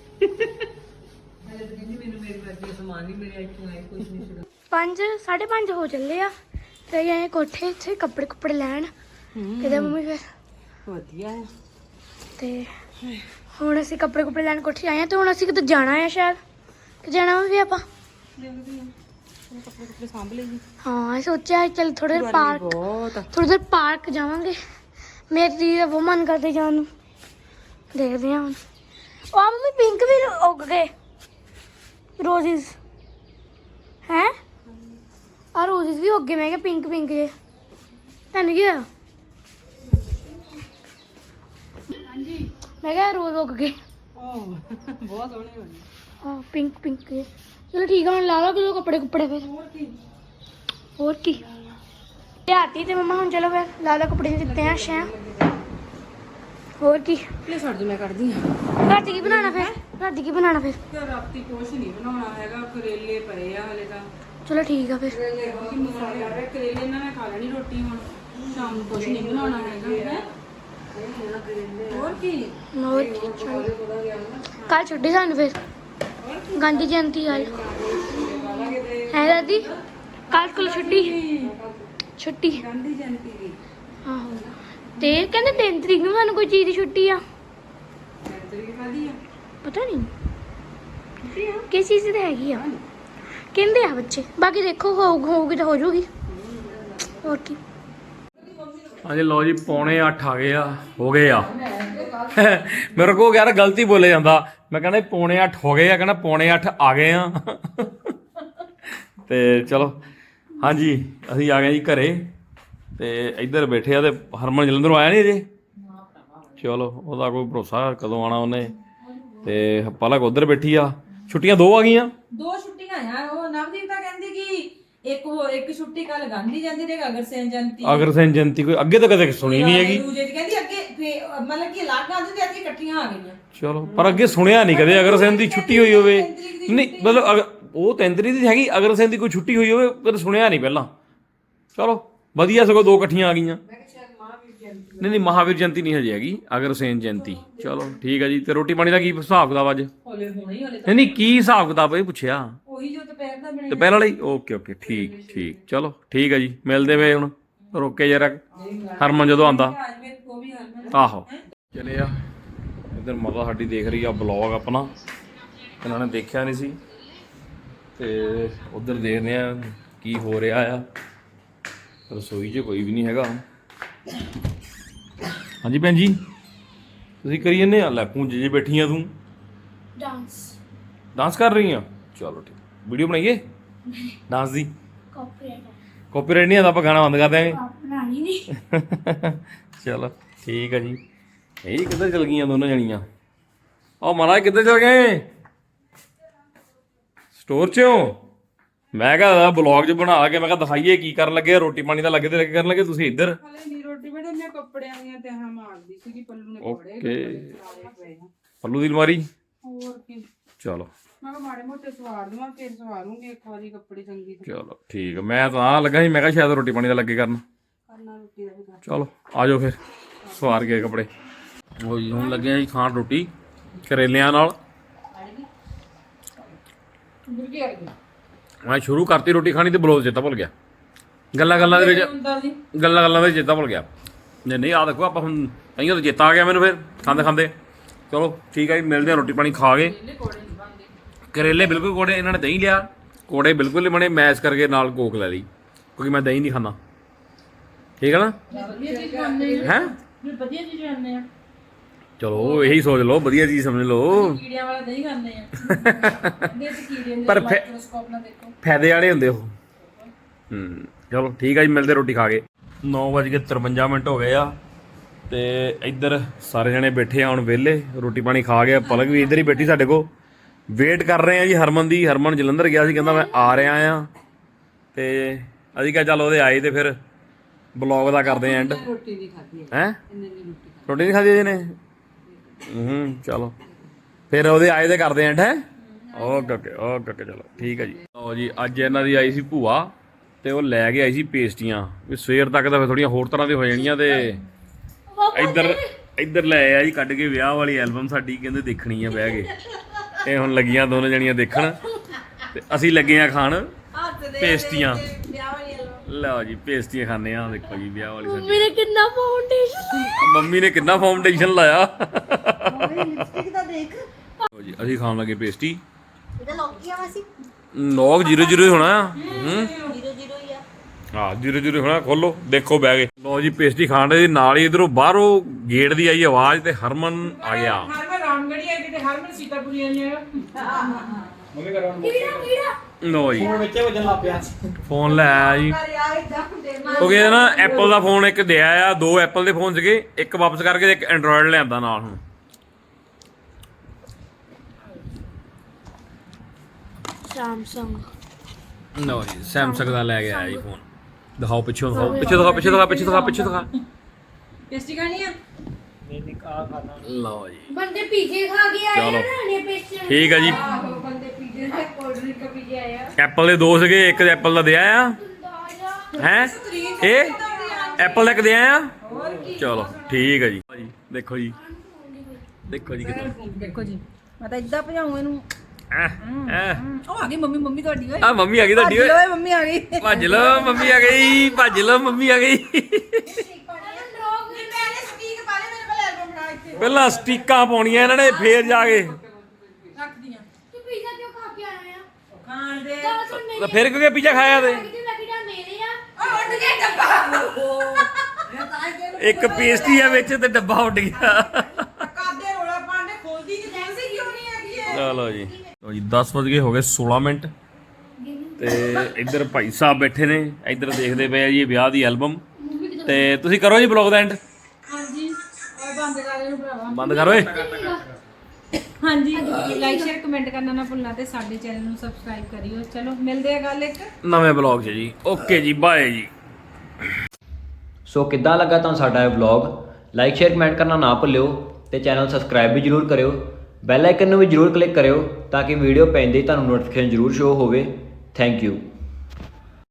Speaker 3: ਪੰਜ ਸਾਢੇ ਪੰਜ ਹੋ ਚੱਲੇ ਆ ਤੇ ਗਏ ਕੋਠੇ ਇੱਥੇ ਕੱਪੜੇ ਕੁੱਪੜੇ ਲੈਣ ਕਿਤੇ ਮੰਮੀ ਫਿਰ
Speaker 2: ਵਧੀਆ ਹੈ
Speaker 3: ਤੇ ਹੁਣ ਅਸੀਂ ਕੱਪੜੇ ਕੁੱਪੜੇ ਲੈਣ ਕੋਠੇ ਆਏ ਆ ਤੇ ਹੁਣ ਅਸੀਂ ਕਿਤੇ ਜਾਣਾ ਆ ਸ਼ਾਇਦ ਕਿ ਜਾਣਾ ਵੀ ਆਪਾਂ
Speaker 2: ਕੱਪੜੇ ਕੁੱਪੜੇ ਸਾਂਭ ਲਈ
Speaker 3: ਹਾਂ ਇਹ ਸੋਚਿਆ ਚਲ ਥੋੜੇ ਦੇਰ ਪਾਰਕ
Speaker 2: ਬਹੁਤ
Speaker 3: ਥੋੜੀ ਦੇਰ ਪਾਰਕ ਜਾਵਾਂਗੇ ਮੇਰੀ ਦੀਦੀ ਦਾ ਬਹੁਤ ਮਨ ਕਰਦੇ ਜਾਣ ਨੂੰ ਦੇਖਦੇ ਹਾਂ ਹੁਣ ਉਹ ਆ ਮੰਮੀ ਪਿੰਕ ਵੀ ਉੱਗ ਗਏ ਰੋਜ਼ਿਸ ਹੈ ਆ ਰੋਜ਼ਿਸ ਵੀ ਉੱਗ ਗਏ ਮੈਂ ਕਿਹਾ ਪਿੰਕ ਪਿੰਕ ਜੇ ਤੈਨੂੰ ਕੀ ਹੋਇਆ ਮੈਂ ਕਿਹਾ ਰੋਜ਼ ਉੱਗ ਗਏ
Speaker 2: ਓ ਬਹੁਤ ਸੋਹਣੇ ਹੋਣੇ
Speaker 3: ਹਾਂ ਪਿੰਕ ਪਿੰਕ ਜੇ ਚਲੋ ਠੀਕ ਆ ਹੁਣ ਲਾ ਲਓ ਕਿਲੋ ਕੱਪੜੇ ਕੁੱਪੜੇ ਫਿਰ
Speaker 2: ਹੋਰ ਕੀ
Speaker 3: ਹੋਰ ਕੀ ਲਿਆਤੀ ਤੇ ਮਮਾ ਹੁਣ ਚਲੋ ਫਿਰ ਲਾ ਲਓ ਕੱਪੜੇ ਦਿੱਤੇ ਆ ਸ਼ਾਂ ਹੋਰ ਕੀ
Speaker 2: ਲੈ ਛੱਡ ਦੇ ਮੈਂ ਕਰਦੀ ਹਾਂ
Speaker 3: ਰਾਤੀ ਕੀ ਬਣਾਉਣਾ ਫਿਰ ਰਾਤੀ ਕੀ ਬਣਾਉਣਾ ਫਿਰ
Speaker 2: ਤੇ ਰਾਤੀ ਕੁਛ ਨਹੀਂ ਬਣਾਉਣਾ ਹੈਗਾ ਕਰੇਲੇ ਪਏ ਆ ਹਲੇ ਤਾਂ
Speaker 3: ਚਲੋ ਠੀਕ ਆ ਫਿਰ
Speaker 2: ਕਰੇਲੇ ਕੀ ਮਸਾਲਾ ਹੈ ਕਰੇਲੇ ਨਾਲ ਮੈਂ ਖਾ ਲੈਣੀ ਰੋਟੀ ਹੁਣ ਸ਼ਾਮ ਨੂੰ ਕੁਛ ਨਹੀਂ ਬਣਾਉਣਾ ਹੈਗਾ ਹੈ ਹੋਰ ਕੀ
Speaker 3: ਹੋਰ ਕੀ ਕੱਲ ਛੁੱਟੀ ਸਾਨੂੰ ਫਿਰ ਗਾਂਧੀ ਜਯੰਤੀ ਕੱਲ ਹੈ ਦਾਦੀ ਕੱਲ ਕੋਲ ਛੁੱਟੀ ਛੁੱਟੀ
Speaker 2: ਗਾਂਧੀ ਜਯੰਤੀ ਦੀ
Speaker 3: ਆਹੋ ਤੇ ਕਹਿੰਦੇ ਤਿੰਨ ਤਰੀਕ ਨੂੰ ਸਾਨੂੰ ਕੋਈ ਚੀਜ਼ ਦੀ ਛੁੱਟੀ ਆ
Speaker 2: ਤਰੀਕ ਕਾਦੀ ਆ
Speaker 3: ਪਤਾ ਨਹੀਂ ਕਿਸ ਚੀਜ਼ ਦੀ ਹੈਗੀ ਆ ਕਹਿੰਦੇ ਆ ਬੱਚੇ ਬਾਕੀ ਦੇਖੋ ਹੋਊ ਹੋਊਗੀ ਤਾਂ ਹੋ ਜਾਊਗੀ ਹੋਰ ਕੀ
Speaker 1: ਹਾਂਜੀ ਲਓ ਜੀ ਪੌਣੇ ਅੱਠ ਆ ਗਏ ਆ ਹੋ ਗਏ ਆ ਮੇਰੇ ਕੋਲ ਯਾਰ ਗਲਤੀ ਬੋਲੇ ਜਾਂਦਾ ਮੈਂ ਕਹਿੰਦਾ ਪੌਣੇ ਅੱਠ ਹੋ ਗਏ ਆ ਕਹਿੰਦਾ ਪੌਣੇ ਅੱਠ ਆ ਗਏ ਆ ਤੇ ਚਲੋ ਹਾਂਜੀ ਅਸੀਂ ਆ ਗਏ ਜੀ ਘਰੇ ਤੇ ਇੱਧਰ ਬੈਠੇ ਆ ਤੇ ਹਰਮਨ ਜਲੰਧਰੋਂ ਆਇਆ ਨਹੀਂ ਅਜੇ ਚਲੋ ਉਹਦਾ ਕੋਈ ਭਰੋਸਾ ਕਦੋਂ ਆਣਾ ਉਹਨੇ ਤੇ ਪਲਕ ਉੱਧਰ ਬੈਠੀ ਆ ਛੁੱਟੀਆਂ ਦੋ ਆ ਗਈਆਂ
Speaker 4: ਦੋ ਛੁੱਟੀਆਂ ਯਾਰ ਉਹ ਨਵਦੀਪ ਤਾਂ ਕਹਿੰਦੀ ਕਿ ਇੱਕ ਉਹ ਇੱਕ ਛੁੱਟੀ ਕੱਲ ਗਾਂਧੀ ਜਯੰਤੀ ਤੇ ਅਗਰਸੈਨ ਜਯੰਤੀ
Speaker 1: ਅਗਰਸੈਨ ਜਯੰਤੀ ਕੋਈ ਅੱਗੇ ਤਾਂ ਕਦੇ ਸੁਣੀ ਨਹੀਂ ਹੈਗੀ
Speaker 4: ਦੂਜੇ ਦੀ ਕਹਿੰਦੀ ਅੱਗੇ ਫੇ- ਮਤਲਬ ਕਿ ਅਲੱਗ ਗਾਂਧੀ ਤੇ ਅੱਗੇ ਇਕੱਠੀਆਂ ਆ ਗਈਆਂ
Speaker 1: ਚਲੋ ਪਰ ਅੱਗੇ ਸੁਣਿਆ ਨਹੀਂ ਕਦੇ ਅਗਰਸੈਨ ਦੀ ਛੁੱਟੀ ਹੋਈ ਹੋਵੇ ਨਹੀਂ ਮਤਲਬ ਅਗ- ਉਹ ਤਿੰਨ ਤਰੀਕ ਦੀ ਹੈਗੀ ਅਗਰਸੈਨ ਦੀ ਕੋਈ ਛੁੱਟੀ ਹੋਈ ਹੋਵੇ ਕਦੇ ਸੁਣਿਆ ਨਹੀਂ ਪਹਿਲਾਂ ਚਲੋ ਵਧੀਆ ਸਗੋਂ ਦੋ ਇਕੱਠੀਆਂ ਆ ਗਈਆਂ ਨਹੀਂ ਨਹੀਂ ਮਹਾਵੀਰ ਜਯੰਤੀ ਨਹੀਂ ਹਜੇ ਹੈਗੀ ਅਗਰਸੈਨ ਜਯੰਤੀ ਚਲੋ ਠੀਕ ਹੈ ਜੀ ਤੇ ਰੋਟੀ ਪਾਣੀ ਦਾ ਕੀ ਹਿਸਾਬ ਕਿਤਾਬ ਅੱਜ
Speaker 4: ਹੌਲੇ ਹੋਣੇ ਹੀ ਹੌਲੇ
Speaker 1: ਨਹੀਂ ਨਹੀਂ ਕੀ ਹਿਸਾਬ ਕਿਤਾਬ ਇਹ ਪੁੱਛਿਆ
Speaker 4: ਉਹੀ ਜੋ ਦੁਪਹਿਰ ਦਾ ਬਣਿਆ
Speaker 1: ਦੁਪਹਿਰ ਵਾਲੀ ਓਕੇ ਓਕੇ ਠੀਕ ਠੀਕ ਚਲੋ ਠੀਕ ਹੈ ਜੀ ਮਿਲਦੇ ਵੇ ਹੁਣ ਰੋਕੇ ਜਰਾ ਹਰਮਨ ਜਦੋਂ ਆਂਦਾ
Speaker 4: ਅੱਜ ਮੈਂ ਕੋ ਵੀ ਹਰਮਨ
Speaker 1: ਆਹੋ ਚਲੇ ਆ ਇੱਧਰ ਮਾਤਾ ਸਾਡੀ ਦੇਖ ਰਹੀ ਆ ਬਲੌਗ ਆਪਣਾ ਇਹਨਾਂ ਨੇ ਦੇਖਿਆ ਨਹੀਂ ਸੀ ਤੇ ਉਧਰ ਦੇਖਦੇ ਆ ਕੀ ਹੋ ਰਿਹਾ ਆ ਰਸੋਈ 'ਚ ਕੋਈ ਵੀ ਨਹੀਂ ਹੈਗਾ ਹਾਂਜੀ ਭੈਣ ਜੀ ਤੁਸੀਂ ਕਰੀ ਜੰਨੇ ਆ ਲੈ ਪੂੰਜ ਜੀ ਬੈਠੀ ਆ ਤੂੰ
Speaker 3: ਡਾਂਸ
Speaker 1: ਡਾਂਸ ਕਰ ਰਹੀ ਆ ਚਲੋ ਠੀਕ ਵੀਡੀਓ ਬਣਾਈਏ ਡਾਂਸ ਦੀ ਕਾਪੀਰਾਈਟ ਨਹੀਂ ਆਉਂਦਾ ਆਪਾਂ ਗਾਣਾ ਬੰਦ ਕਰ ਦਿਆਂਗੇ ਚਲੋ ਠੀਕ ਹੈ ਜੀ ਇਹ ਕਿੱਧਰ ਚਲ ਗਈਆਂ ਦੋਨੋਂ ਜਣੀਆਂ ਉਹ ਮਹਾਰਾਜ ਕਿੱਧਰ ਚਲ ਗਏ ਸਟੋਰ 'ਚੋਂ ਮੈਂ ਕਿਹਾ ਬਲੌਗ 'ਚ ਬਣਾ ਕੇ ਮੈਂ ਕਿਹਾ ਦਿਖਾਈਏ ਕੀ ਕਰਨ ਲੱਗੇ ਰੋਟੀ ਪਾਣੀ ਦਾ ਲੱਗੇ ਤੇ ਲੱਗੇ ਕਰਨ ਲੱਗੇ ਤੁਸੀਂ ਇੱਧਰ
Speaker 2: ਹਲੇ ਨਹੀਂ ਰੋਟੀ ਬੜੇ ਮੈਂ ਕੱਪੜਿਆਂ ਦੀਆਂ ਤੇ ਹਾਂ ਮਾਰਦੀ ਸੀਗੀ ਪੱਲੂ ਨੇ
Speaker 1: ਓਕੇ
Speaker 2: ਕੱਪੜੇ
Speaker 1: ਪੱਲੂ ਦੀ ਅਲਮਾਰੀ
Speaker 2: ਹੋਰ ਕੀ
Speaker 1: ਚਲੋ
Speaker 2: ਮੈਂ ਕਿਹਾ ਮਾੜੇ ਮੋਟੇ ਸਵਾਰ ਦਵਾਂ ਫਿਰ ਸਵਾਰੂੰਗੀ ਇੱਕ ਵਾਰੀ ਕੱਪੜੇ ਚੰਗੀ ਤਰ੍ਹਾਂ
Speaker 1: ਚਲੋ ਠੀਕ ਹੈ ਮੈਂ ਤਾਂ ਲੱਗਾ ਸੀ ਮੈਂ ਕਿਹਾ ਸ਼ਾਇਦ ਰੋਟੀ ਪਾਣੀ ਦਾ ਲੱਗੇ ਕਰਨ
Speaker 2: ਕਰਨਾ ਰੋਟੀ ਦਾ ਵੀ ਕਰ
Speaker 1: ਚਲੋ ਆ ਜਾਓ ਫਿਰ ਸਵਾਰ ਕੇ ਕੱਪੜੇ ਉਹ ਜੀ ਹੁਣ ਲੱਗੇ ਆ ਜੀ ਖਾਣ ਰੋਟੀ ਕਰੇਲਿਆਂ ਨਾਲ
Speaker 2: ਬੁਰਗੀ ਆ ਗਈ
Speaker 1: ਮੈਂ ਸ਼ੁਰੂ ਕਰਤੀ ਰੋਟੀ ਖਾਣੀ ਤੇ ਬਲੋਜ਼ ਚੇਤਾ ਭੁੱਲ ਗਿਆ ਗੱਲਾਂ ਗੱਲਾਂ ਦੇ ਵਿੱਚ
Speaker 2: ਹੁੰਦਾ ਜੀ
Speaker 1: ਗੱਲਾਂ ਗੱਲਾਂ ਵਿੱਚ ਚੇਤਾ ਭੁੱਲ ਗਿਆ ਨਹੀਂ ਨਹੀਂ ਆ ਦੇਖੋ ਆਪਾਂ ਹੁਣ ਕਈਆਂ ਤਾਂ ਚੇਤਾ ਆ ਗਿਆ ਮੈਨੂੰ ਫਿਰ ਖਾਂਦੇ ਖਾਂਦੇ ਚਲੋ ਠੀਕ ਹੈ ਜੀ ਮਿਲਦੇ ਆ ਰੋਟੀ ਪਾਣੀ ਖਾ ਕੇ ਕਰੇਲੇ ਬਿਲਕੁਲ ਕੋੜੇ ਇਹਨਾਂ ਨੇ ਦਹੀਂ ਲਿਆ ਕੋੜੇ ਬਿਲਕੁਲ ਨਹੀਂ ਬਣੇ ਮੈਸ਼ ਕਰਕੇ ਨਾਲ ਕੋਕ ਲੈ ਲਈ ਕਿਉਂਕਿ ਮੈਂ ਦਹੀਂ ਨਹੀਂ ਖਾਂਦਾ ਠੀਕ ਹੈ ਨਾ ਹੈਂ
Speaker 4: ਵਧੀਆ ਚੀਜ਼ ਖਾਂਦੇ ਆ
Speaker 1: ਚਲੋ ਇਹੀ ਸੋਚ ਲਓ ਵਧੀਆ ਚੀਜ਼ ਸਮਝ ਲਓ
Speaker 4: ਕੀੜਿਆਂ ਵਾਲਾ ਦਹੀਂ ਖਾਂਦੇ ਆ ਦੇ ਤੇ ਕੀੜੇ ਦੇ
Speaker 1: ਪਰ ਫੈ-
Speaker 4: ਮਾਈਕਰੋਸਕੋਪ ਨਾਲ ਦੇਖੋ
Speaker 1: ਫਾਇਦੇ ਵਾਲੇ ਹੁੰਦੇ ਉਹ ਹੂੰ ਚਲੋ ਠੀਕ ਆ ਜੀ ਮਿਲਦੇ ਰੋਟੀ ਖਾ ਕੇ ਨੌ ਵੱਜ ਕੇ ਤਰਵੰਜਾ ਮਿੰਟ ਹੋ ਗਏ ਆ ਤੇ ਇੱਧਰ ਸਾਰੇ ਜਣੇ ਬੈਠੇ ਆ ਹੁਣ ਵਿਹਲੇ ਰੋਟੀ ਪਾਣੀ ਖਾ ਕੇ ਪਲਕ ਵੀ ਇੱਧਰ ਹੀ ਬੈਠੀ ਸਾਡੇ ਕੋਲ ਵੇਟ ਕਰ ਰਹੇ ਆ ਜੀ ਹਰਮਨ ਦੀ ਹਰਮਨ ਜਲੰਧਰ ਗਿਆ ਸੀ ਕਹਿੰਦਾ ਮੈਂ ਆ ਰਿਹਾ ਆ ਤੇ ਅਸੀਂ ਕਿਹਾ ਚੱਲ ਉਹਦੇ ਆਏ ਤੇ ਫਿਰ ਬਲੌਗ ਦਾ ਕਰਦੇ ਆ ਐਂਡ
Speaker 2: ਰੋਟੀ ਨਹੀਂ ਖਾਧੀ
Speaker 1: ਹੈ
Speaker 2: ਇੰਨੇ ਦੀ ਰੋਟੀ
Speaker 1: ਰੋਟੀ ਨਹੀਂ ਖਾਧੀ ਇਹਨੇ ਹੂੰ ਚਲੋ ਫਿਰ ਉਹਦੇ ਆਏ ਤੇ ਕਰਦੇ ਐਂਡ ਹੈ ਓਕੇ ਓਕੇ ਓਕੇ ਓਕੇ ਚਲੋ ਠੀਕ ਹੈ ਜੀ ਲਓ ਜੀ ਅੱਜ ਇਹਨਾਂ ਦੀ ਆਈ ਸੀ ਭੂਆ ਤੇ ਉਹ ਲੈ ਕੇ ਆਈ ਸੀ ਪੇਸਟੀਆਂ ਵੀ ਸਵੇਰ ਤੱਕ ਤਾਂ ਫਿਰ ਥੋੜੀਆਂ ਹੋਰ ਤਰ੍ਹਾਂ ਦੀ ਹੋ ਜਾਣੀਆਂ ਤੇ ਇੱਧਰ ਇੱਧਰ ਲੈ ਆਇਆ ਜੀ ਕੱਢ ਕੇ ਵਿਆਹ ਵਾਲੀ ਐਲਬਮ ਸਾਡੀ ਕਹਿੰਦੇ ਦੇਖਣੀ ਆ ਬਹਿ ਕੇ ਇਹ ਹੁਣ ਲੱਗੀਆਂ ਦੋਨੋਂ ਜਣੀਆਂ ਦੇਖਣ ਤੇ ਅਸੀਂ ਲੱਗੇ ਆ ਖਾਣ ਪੇਸਟੀਆਂ ਲਓ ਜੀ ਪੇਸਟੀਆਂ ਖਾਣੇ ਆ ਦੇਖੋ ਜੀ ਵਿਆਹ ਵਾਲੀ ਸਾਡੀ
Speaker 3: ਮੇਰੇ ਕਿੰਨਾ ਫਾਊਂਡੇਸ਼ਨ
Speaker 1: ਮੰਮੀ ਨੇ ਕਿੰਨਾ ਫਾਊਂਡੇਸ਼ਨ ਲਾਇਆ
Speaker 3: ਲਿਪਸਟਿਕ ਦਾ ਦੇਖ
Speaker 1: ਲਓ ਜੀ ਅਸੀਂ ਖਾਣ ਲੱਗੇ ਪੇਸਟੀ
Speaker 3: ਇਹਦਾ ਲੋਕ ਕੀ ਆ ਵਾਸੀ
Speaker 1: ਨੌਕ ਜ਼ੀਰੋ ਜ਼ੀਰੋ ਹੀ ਹੋਣਾ ਆ ਹੂੰ
Speaker 3: ਜ਼ੀਰੋ ਜ਼ੀਰੋ ਹੀ ਆ
Speaker 1: ਹਾਂ ਜ਼ੀਰੋ ਜ਼ੀਰੋ ਹੋਣਾ ਖੋਲੋ ਦੇਖੋ ਬਹਿ ਗਏ ਲਓ ਜੀ ਪੇਸਟੀ ਖਾਣ ਦੇ ਨਾਲ ਹੀ ਇਧਰੋਂ ਬਾਹਰੋਂ ਗੇਟ ਦੀ ਆਈ ਆਵਾਜ਼ ਤੇ ਹਰਮਨ ਆ ਗਿਆ
Speaker 2: ਹਰਮਨ ਰਾਮਗੜੀ ਆ ਕਿਤੇ ਹਰਮਨ ਸੀਤਾਪੁਰੀ ਆ ਜੀ
Speaker 3: ਕੀੜਾ ਕੀੜਾ
Speaker 1: ਲਓ ਜੀ ਫੋਨ ਲੈ ਆਇਆ ਜੀ ਕਿਉਂਕਿ ਇਹ ਨਾ ਐਪਲ ਦਾ ਫੋਨ ਇੱਕ ਦਿਆ ਆ ਦੋ ਐਪਲ ਦੇ ਫੋਨ ਸੀਗੇ ਇੱਕ ਵਾਪਸ ਕਰਕੇ ਤੇ ਇੱਕ ਐਂਡਰੋਇਡ ਲਿਆਂਦਾ ਨਾਲ ਹੁਣ
Speaker 3: ਸੈਮਸੰਗ
Speaker 1: ਲਓ ਜੀ ਸੈਮਸੰਗ ਦਾ ਲੈ ਕੇ ਆਇਆ ਜੀ ਫੋਨ ਦਿਖਾਓ ਪਿੱਛੋਂ ਦਿਖਾਓ ਪਿੱਛੇ ਦਿਖਾ ਪਿੱਛੇ ਦਿਖਾ ਪਿੱਛੇ ਦਿਖਾ ਪਿੱਛੇ ਦਿਖਾ
Speaker 2: ਪੇਸਟੀ ਖਾਣੀ ਆ
Speaker 1: ਲਓ ਜੀ
Speaker 3: ਬੰਦੇ ਪੀਜੇ ਖਾ ਕੇ ਆਏ
Speaker 1: ਚਲੋ।
Speaker 3: ਨਾ ਨੇ ਪੇਸਟੀ
Speaker 1: ਠੀਕ ਹੈ ਜੀ
Speaker 2: ਆਹੋ ਬੰਦੇ ਪੀਜੇ ਦੇ ਕੋਲਡ ਡਰਿੰਕ ਪੀ ਕੇ ਆਏ ਆ
Speaker 1: ਐਪਲ ਦੇ ਦੋ ਸੀਗੇ ਇੱਕ ਐਪਲ ਦਾ ਦਿਆ ਆ ਹੈ ਇਹ ਐਪਲ ਦਾ ਇੱਕ ਦਿਆ ਆ ਚਲੋ ਠੀਕ ਹੈ ਜੀ ਦੇਖੋ ਜੀ ਦੇਖੋ ਜੀ ਕਿੱਦਾਂ
Speaker 4: ਦੇਖੋ ਜੀ ਮੈਂ ਤਾਂ ਇਦਾਂ ਭਜਾਉਂ ਇਹਨੂੰ
Speaker 1: ਐ ਐ
Speaker 4: ਉਹ ਆ ਗਈ ਮੰਮੀ ਮੰਮੀ ਤੁਹਾਡੀ ਓਏ
Speaker 1: ਆ ਮੰਮੀ ਆ ਗਈ ਤੁਹਾਡੀ ਓਏ
Speaker 4: ਓਏ ਮੰਮੀ ਆ ਗਈ
Speaker 1: ਭੱਜ ਲਓ ਮੰਮੀ ਆ ਗਈ ਭੱਜ ਲਓ ਮੰਮੀ ਆ ਗਈ ਪਹਿਲਾਂ ਸਟੀਕਾਂ ਪਾਉਣੀਆਂ ਇਹਨਾਂ ਨੇ ਫੇਰ ਜਾ ਕੇ
Speaker 4: ਰੱਖਦੀਆਂ
Speaker 3: ਤੂੰ ਪੀਜ਼ਾ ਕਿਉਂ ਖਾ ਕੇ ਆਇਆ ਆ
Speaker 4: ਖਾਣ ਦੇ
Speaker 3: ਤਾਂ ਸੁਣ ਮੇਰੀ
Speaker 1: ਤਾਂ ਫਿਰ ਕਿਉਂਕਿ ਪੀਜ਼ਾ ਖਾਇਆ ਤੇ
Speaker 3: ਕਿਤੇ ਲੱਗਦਾ ਮੇਰੇ ਆ
Speaker 4: ਓ ਉੱਡ ਗਿਆ ਡੱਬਾ
Speaker 1: ਇੱਕ ਪੇਸਟੀ ਆ ਵਿੱਚ ਤੇ ਡੱਬਾ ਉੱਡ ਗਿਆ
Speaker 4: ਕਾਦੇ ਰੋਲਾ ਪਾਣੇ ਖੋਲਦੀ ਨਹੀਂ ਜੈਸੇ ਕਿਉਂ ਨਹੀਂ ਹੈਗੀ ਇਹ
Speaker 1: ਚਲੋ ਜੀ ਲੋ ਜੀ ਦਸ ਵਜ ਗਏ ਹੋ ਗਏ ਸੋਲਾਂ ਮਿੰਟ ਤੇ ਇੱਧਰ ਭਾਈ ਸਾਹਿਬ ਬੈਠੇ ਨੇ ਇੱਧਰ ਦੇਖਦੇ ਪਏ ਆ ਜੀ ਵਿਆਹ ਦੀ ਐਲਬਮ ਤੇ ਤੁਸੀਂ ਕਰੋ ਜੀ ਬਲੌਗ ਦਾ ਐਂਡ
Speaker 4: ਹਾਂਜੀ ਓਏ ਬੰਦ ਕਰ ਇਹਨੂੰ ਭਰਾਵਾ
Speaker 1: ਬੰਦ ਕਰ ਓਏ
Speaker 2: ਹਾਂਜੀ ਲਾਈਕ ਸ਼ੇਅਰ ਕਮੈਂਟ ਕਰਨਾ ਨਾ ਭੁੱਲਣਾ ਤੇ ਸਾਡੇ ਚੈਨਲ ਨੂੰ ਸਬਸਕ੍ਰਾਈਬ ਕਰਿਓ ਚਲੋ ਮਿਲਦੇ ਆ ਗੱਲ ਇੱਕ
Speaker 1: ਨਵੇਂ ਬਲੌਗ 'ਚ ਜੀ ਓਕੇ ਜੀ ਬਾਏ ਜੀ
Speaker 5: ਸੋ ਕਿੱਦਾਂ ਲੱਗਾ ਤੁਹਾਨੂੰ ਸਾਡਾ ਇਹ ਵਲੌਗ ਲਾਈਕ ਸ਼ੇਅਰ ਕਮੈਂਟ ਕਰਨਾ ਨਾ ਭੁੱਲਿਓ ਤੇ ਚੈਨਲ ਸਬਸਕ੍ਰਾਈਬ ਵੀ ਜਰੂਰ ਕਰਿਓ ਬੈਲ ਆਈਕਨ ਨੂੰ ਵੀ ਜਰੂਰ ਕਲਿੱਕ ਕਰਿਓ ਤਾਂ ਕਿ ਵੀਡੀਓ ਪੈਂਦੇ ਹੀ ਤੁਹਾਨੂੰ ਨੋਟੀਫਿਕੇਸ਼ਨ ਜਰੂਰ ਸ਼ੋ ਹੋਵੇ ਥੈਂਕ ਯੂ